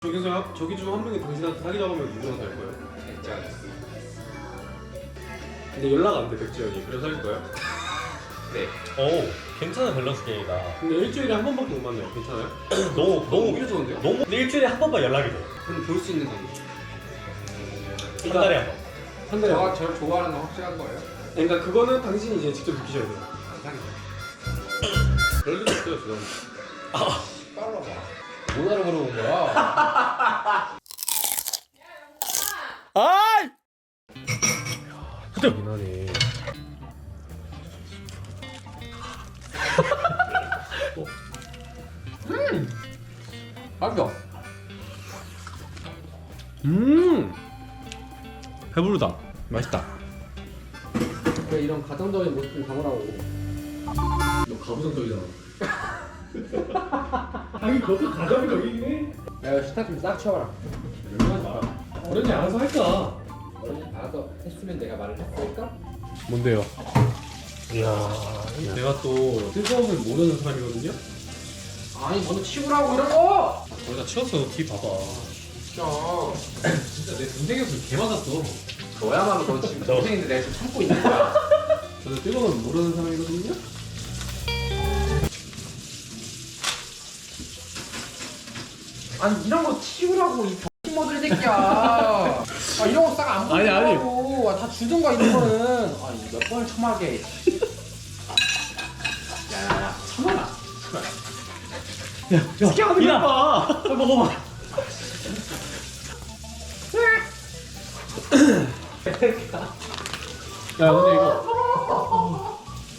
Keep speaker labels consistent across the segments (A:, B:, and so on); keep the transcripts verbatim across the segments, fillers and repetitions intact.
A: 저기서 저기 중 한 명이 당신한테 사기 잡으면 누구랑 살 거예요?
B: 백지영.
A: 근데 연락 안 돼 백지영이. 그래서 살 거예요?
B: 네.
C: 오, 괜찮은 밸런스 게임이다.
A: 근데 일주일에 한 번밖에 못 만나요. 괜찮아요?
C: 너무 너무
A: 오히려 좋은데요?
C: 너무 근데 일주일에 한 번만 연락이 돼.
A: 그럼 볼 수 있는 관계.
C: 한 달에 한 번.
A: 한 달에.
B: 저가 저를 좋아하는 건 확실한 거예요?
A: 그러니까 그거는 당신이 이제 직접 느끼셔야 돼요.
B: 안 사귀어요.
A: 그럴 리가 없어요, 지금.
B: 빨라 봐. 못 알아 물어본 거야.
C: 아이!
A: 그긴 하네.
B: 맛있어.
A: 음. 배부르다. 맛있다.
B: 왜 이런 가정적인 모습 좀 담으라고.
A: 너 가부장적이잖아. 아니 그것도 가정적이긴 해.
B: 야, 스타 좀 싹 치워라.
A: 얼마나 말아. 어른이 알아서 할까?
B: 어른이 알아서 했으면 내가 말을 했을까?
A: 뭔데요?
C: 이야.
A: 내가 또 뜨거움을 모르는 사람이거든요?
B: 아니, 먼저 치우라고 이런 거!
A: 거의 다 치웠어. 뒤 봐봐.
B: 진짜.
A: 진짜 내 동생이었으면 개 맞았어.
B: 너야말로 너 지금
C: 저-
B: 동생인데 내가 지금 참고 있는 거야.
A: 저는 뜨거움을 모르는 사람이거든요?
B: 아니, 이런 거 치우라고, 이 병신모들 새끼야. 아, 이런 거 싹 안
A: 아니, 아니.
B: 보이라고. 아, 다 주던가, 이런 거는. 아, 몇 번을 참하게. 야, 야, 야, 참아라.
A: 야, 어떻게 하는 거야? 봐.
C: 빨리 먹어봐.
A: 야, 근데 이거.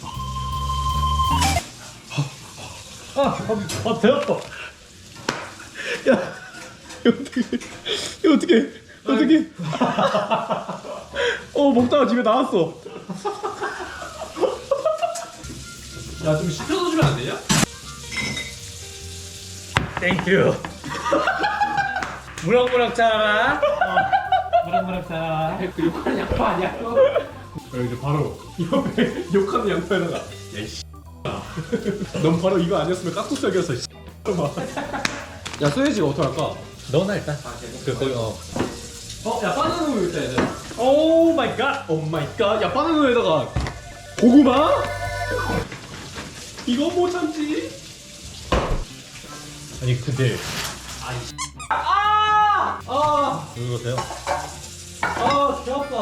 C: 아, 아, 아, 배 아파. 야, 이거 어떻게? 이거 어떻게? 어떻게? 어, 먹다가 집에 나왔어.
A: 야, 좀 시켜서 주면 안 되냐?
C: 땡큐. 무럭무럭 자라. 어, 무럭무럭 자라.
B: 그 욕하는 양파 아니야, 그거?
A: 야, 이제 바로 옆에 욕하는 양파에다가 야, 이씨. 넌 바로 이거 아니었으면 깍두썰기였어, 씨. 야, 소세지가 어떡할까?
C: 너나 일단.
B: 아, 제가
C: 그 거기 어.
A: 어, 야, 바나나 우유 있다, 얘들.
C: 오 마이 갓.
A: 오 마이 갓. 야, 바나나 우유에다가 고구마? 이거 못 참지?
C: 아니 근데
A: 아! 아!
C: 이거 돼요?
A: 아, 개 아파.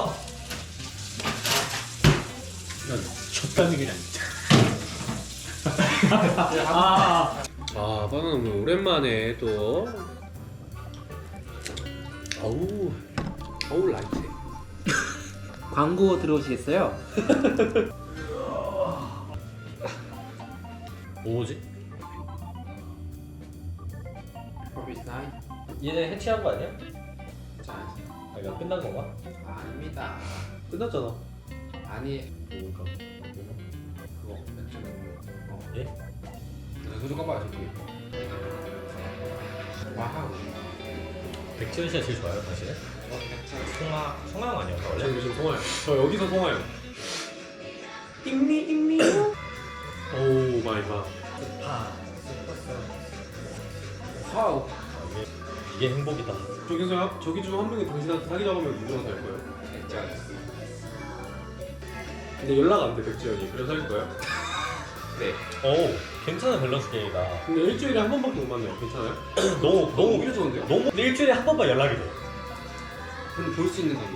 A: 야, 졌다는 게 아니야. 아, 아, 바나나 우유 오랜만에 또. 어우, 어우, 라이트.
B: 광고 들어오시겠어요?
C: 뭐지?
B: 커피타임?
C: 얘네 해체한 거 아니야?
B: 자,
C: 아 이거 끝난 건가?
B: 아닙니다.
A: 끝났잖아.
B: 아니,
C: 뭔가
B: 그거 맥주 어.
C: 예?
B: 나 소주 꺼봐, 저기. 와우.
C: 백지현 씨가 제일 좋아요 당신은?
B: 어, 맥주.
C: 송하 송하영 아니었나
A: 저
C: 원래?
A: 요즘 통화요. 저 여기서 통화요. 띵미 띵미. 오 마이 갓.
C: 아
B: 와우.
C: 이게 이게 행복이다.
A: 저기서 저기 중 한 명이 당신한테 사기 잡으면 누구랑 살 거예요?
B: 맥주.
A: 근데 연락 안 돼 백지영이. 그래서 살 거예요?
B: 네.
C: 오, 괜찮은 밸런스 게임이다.
A: 근데 일주일에 한 번밖에 못 만나요. 괜찮아요?
C: 너무 너무
A: 오히려 좋은데요?
C: 너무 근데 일주일에 한 번만 연락이 돼.
A: 그럼 볼 수 있는 관계.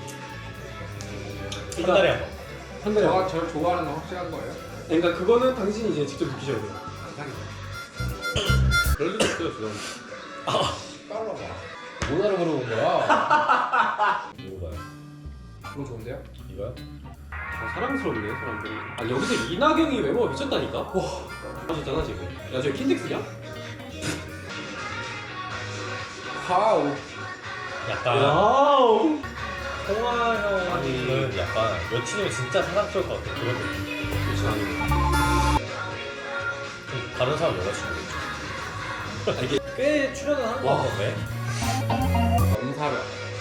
C: 한 달에 한 번.
A: 한 달에.
B: 저가 저를 좋아하는 건 확실한 거예요?
A: 그러니까 그거는 당신이 이제 직접 느끼셔야 돼요.
B: 안 사귀어요.
A: 그럴 리가 없어요, 지금.
B: 빨라 봐. 못 알아 물어본 거야.
C: 이거 봐요.
B: 그거 좋은데요?
C: 이거요?
A: 아, 사랑스럽네 사람들이. 아 여기서 이나경이 외모가 미쳤다니까. 와, 하셨잖아 지금. 야 저 킨텍스냐?
B: 와우.
C: 약간
A: 와우.
C: 송하영은
A: 아니.
C: 약간 여친이면 진짜 사랑스러울 것 같아. 그런 느낌.
A: 그렇지 않아요.
C: 좀 다른 사람 여자친구.
A: 아, 이게
C: 꽤 출연을 한것
A: 와.
C: 같던데.
B: 엄사려.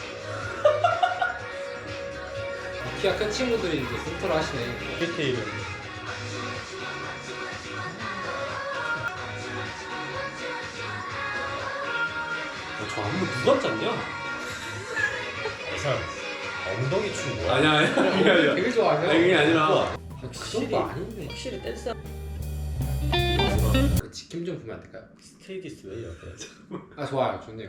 B: 키가 큰 친구들이 이제 센터를 하시네.
C: 디테일은
A: 저 안무 누가 짰냐?
D: 이 사람 엉덩이 춤 뭐야?
A: 아니야 아니야 그게 아니라
B: 되게 좋아하세요?
A: 아니 그게 아니라
D: 확실히
B: 그것도 아닌데.
D: 확실히 댄스
B: 그 지킴 좀 보면 안 될까요?
D: 스테이디스 왜 이렇게
B: 아 좋아요, 좋네요.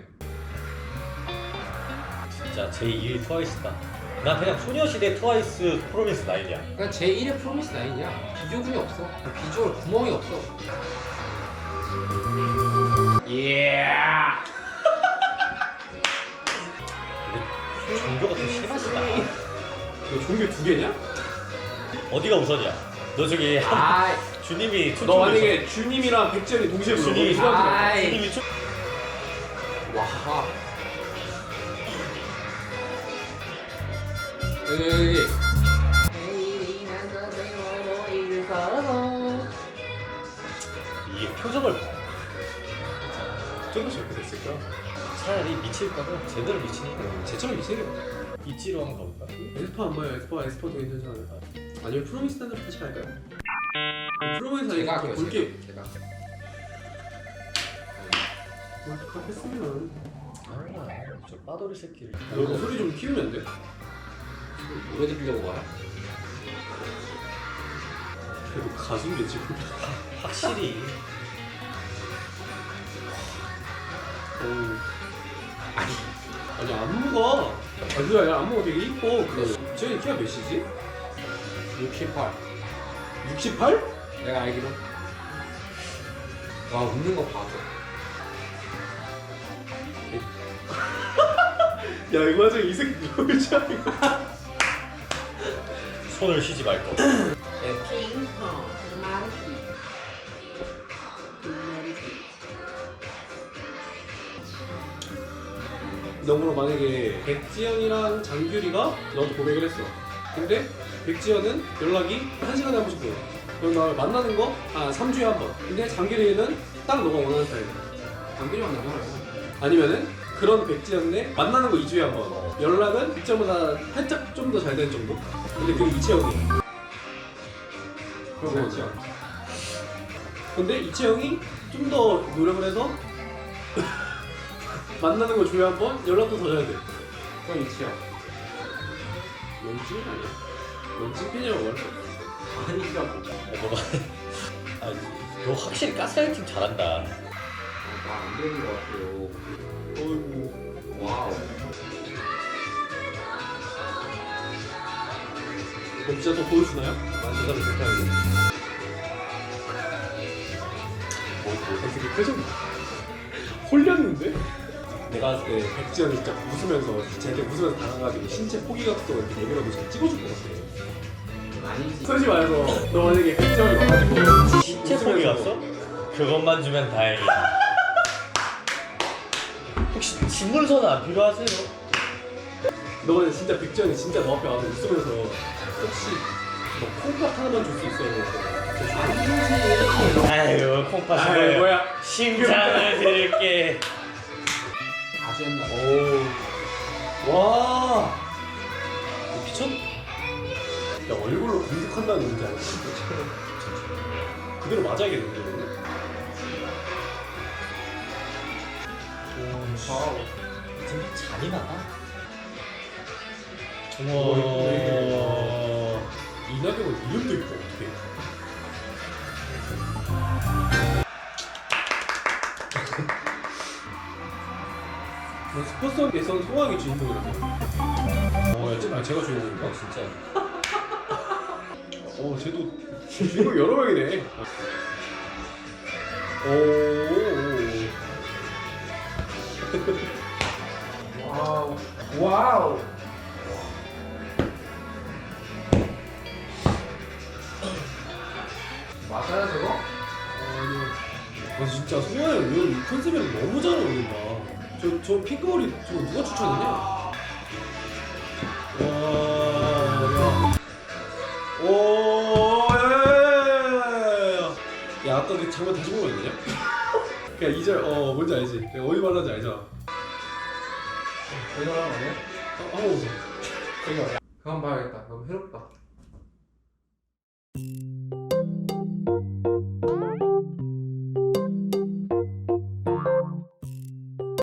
D: 진짜 제이의 트와이스다. 난 그냥 소녀시대 트와이스 프로미스 나인이야.
B: 그러니까 제 일의 프로미스 나인이야. 비교군이 없어. 비주얼 구멍이 없어. 예.
D: 근데 종교가 좀 심하시다.
A: 너 종교 두 개냐?
D: 어디가 우선이야? 너 저기 한
B: 아이,
D: 주님이 춤
A: 너 만약에 주님이랑 백지연이 동시에 불러
D: 주님이
A: 누구한테 갈 거야?
B: 아이.
D: 주님이 춤
B: 와. 여기 여기.
D: 이게 표정을 봐.
A: 좀 저렇게 됐을까?
D: 차라리 미칠 거면 제대로 미치니까
A: 쟤처럼 미세요.
D: 이치로 한번 가볼까?
A: 에스파 안 봐요. 에스파 에스파도 괜찮지 않을까? 아니면 프로미스 단을 같이 갈까요? 프로미스
B: 제가
A: 아니고
B: 할게요.
A: 볼게.
B: 제가.
A: 뭘딱 했으면
D: 아, 저 빠돌이 새끼를.
A: 너 소리 좀 키우면 안 돼?
B: 노래 들으려고 와요?
A: 그래도 가수인데 지금.
D: 확실히
A: 어우. 아니 아니 안무가 아니 그게 아니라 안무가 되게 이뻐. 그 쟤는 키가 몇이지?
B: 육십팔.
A: 육십팔?
B: 내가 알기로. 와, 웃는 거 봐서.
A: 야 이거 완전 이 새끼 누구지?
D: 손을 쉬지 말 거.
B: 핑퐁 마르키.
A: 너무로 만약에 백지연이랑 장규리가 너한테 고백을 했어. 근데 백지연은 연락이 한 시간에 한 번씩 보여. 그럼 나 만나는 거? 아 삼 주에 한 번. 근데 장규리는 딱 너가 원하는 스타일이야.
B: 장비리 만나잖아요.
A: 아니면은 그런 백지연네 만나는 거 이 주에 한 번. 연락은 백점보다 살짝 좀 더 잘 되는 정도? 근데 그게 이채영이야.
B: 그럼
A: 그렇지. 근데 이채영이 좀 더 노력을 해서 만나는 거 주에 한 번, 연락도 더 잘 돼.
B: 그럼 이치야.
A: 연진 아니야? 연진 팬이라고 말할 수 없어.
B: 아니라고.
D: 야, 너가 아, 너 확실히 가스라이팅 잘한다.
B: 나안 되는 거 같아요.
A: 어이구.
B: 와우.
A: 그럼 진짜 더 보여주나요?
B: 난 여자를 그렇게 하는데.
A: 뭐, 뭐, 되게 표정 홀렸는데? 내가 봤을 때 백지연이 진짜 웃으면서 쟤한테 웃으면서 당해가지고 신체 포기 각도가 이렇게 내밀어도 잘 찍어줄 것 같아.
B: 아니지.
A: 솔직히 말해서 너 만약에 백지연이 와가지고
D: 신체 소리 갔어? 그것만 주면 다행이다. 혹시 진물서는 안 필요하세요?
A: 너 만약에 진짜 백지연이 진짜 너 앞에 와서 웃으면서 혹시 너 콩팥 하나만 줄 수 있어요?
D: 아유 콩팥
A: 아
D: 뭐야?
A: 뭐야?
D: 심장을 드릴게.
B: 아주 옛날.
A: 오. 와. 미쳤? 야 얼굴로 공격한다는 게 뭔지 알았어? 그대로 맞아야겠는데 이거는?
B: 와우.
D: 진짜 잔인하다.
A: 우와. 이낙연은 이름도 있고 어떻게? 스포츠에선 소왕이 주인공이라고. 어, 야, 아, 제가 주인공인가?
D: 진짜.
A: 어, 쟤도 주인공 여러 명이네. 오.
B: 와우. 와우. 맞아요 저거?
A: 아니, 아 진짜 소왕이 이런 컨셉이랑 너무 잘 어울린다. 저, 저 핑크머리 저거 누가 추천했냐? 와, 야. 오, 야, 야, 야, 야, 야, 아까 그 장면 다시 보면 안 되냐? 그냥 이 절, 어, 뭔지 알지? 내가 어디 말하는지 알잖아.
B: 이거 하는 거네?
A: 아, 한번 웃어.
B: 이거. 그거 한번 봐야겠다. 너무 해롭다.